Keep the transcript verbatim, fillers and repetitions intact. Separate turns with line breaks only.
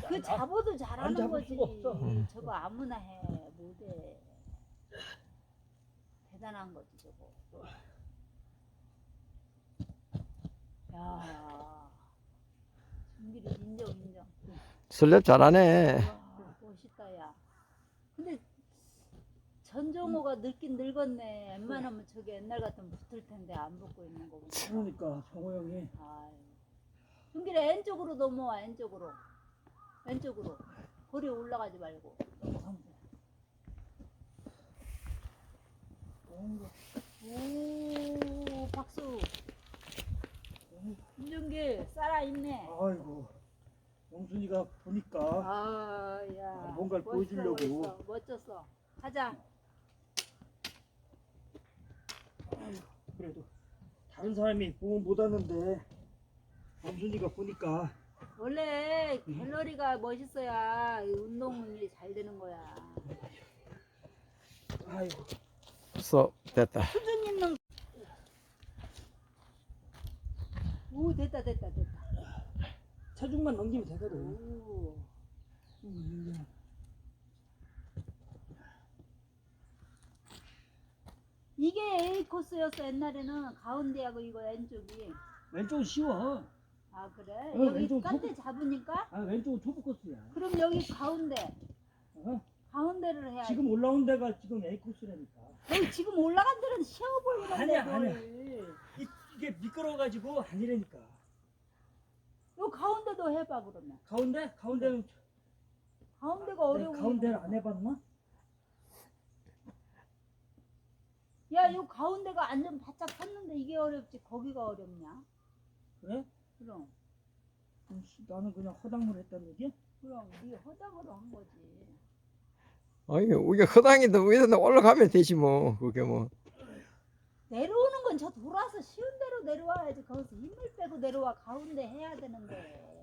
그
안-
잡아도
안
잘하는
잡을
거지.
수가 없어.
응.
저거 아무나 해 못해. 대단한 거지 저거. 야, 준비를 인정 인정.
설렙 잘하네.
와 멋있다 야. 근데 전정호가 늙긴 늙었네. 웬만하면 저게 옛날 같으면 붙을 텐데 안 붙고 있는 거 보니까.
그러니까 정호 형이
아유. 준비를 왼쪽으로 넘어와 왼쪽으로. 왼쪽으로. 거리 올라가지 말고. 넘어가면 돼. 오 박수. 김준길 살아있네.
아이고 영순이가 보니까
아야
아, 뭔가를 보여주려고.
멋있어, 멋졌어. 가자.
아이고, 그래도 다른 사람이 보면 못 하는데 영순이가 보니까
원래 갤러리가 멋있어야 이 운동이 잘 되는 거야.
아이고
벌써 됐다.
수준 있는. 오 됐다 됐다 됐다.
체중만 넘기면 되거든.
오.
음,
이게 A 코스였어 옛날에는. 가운데하고 이거 왼쪽이.
왼쪽은 쉬워.
아 그래?
어,
여기
왼쪽
깐대 잡으니까?
아 왼쪽은 초보 코스야.
그럼 여기 가운데
어?
가운데를 해야지.
지금 올라온 데가 지금 A 코스라니까.
여기 지금 올라간 데는 쉬워 보이는데
아니야,
뭘.
아니야. 이, 이게 미끄러워가지고 아니라니까.
요 가운데도 해봐 그러면.
가운데? 가운데는
가운데가 어려워.
내가 가운데를 안 해봤나?
야, 요 가운데가 완전 바짝 섰는데 이게 어렵지. 거기가 어렵냐?
그래?
그럼.
음, 씨, 나는 그냥 허당을 했다는 얘기?
그럼 네 허당으로 한 거지.
아니 우리가 허당이도 위에서 올라가면 되지 뭐. 그게 뭐.
내려오는 건 저 돌아서 쉬운 대로 내려와야지. 거기서 힘을 빼고 내려와. 가운데 해야 되는데.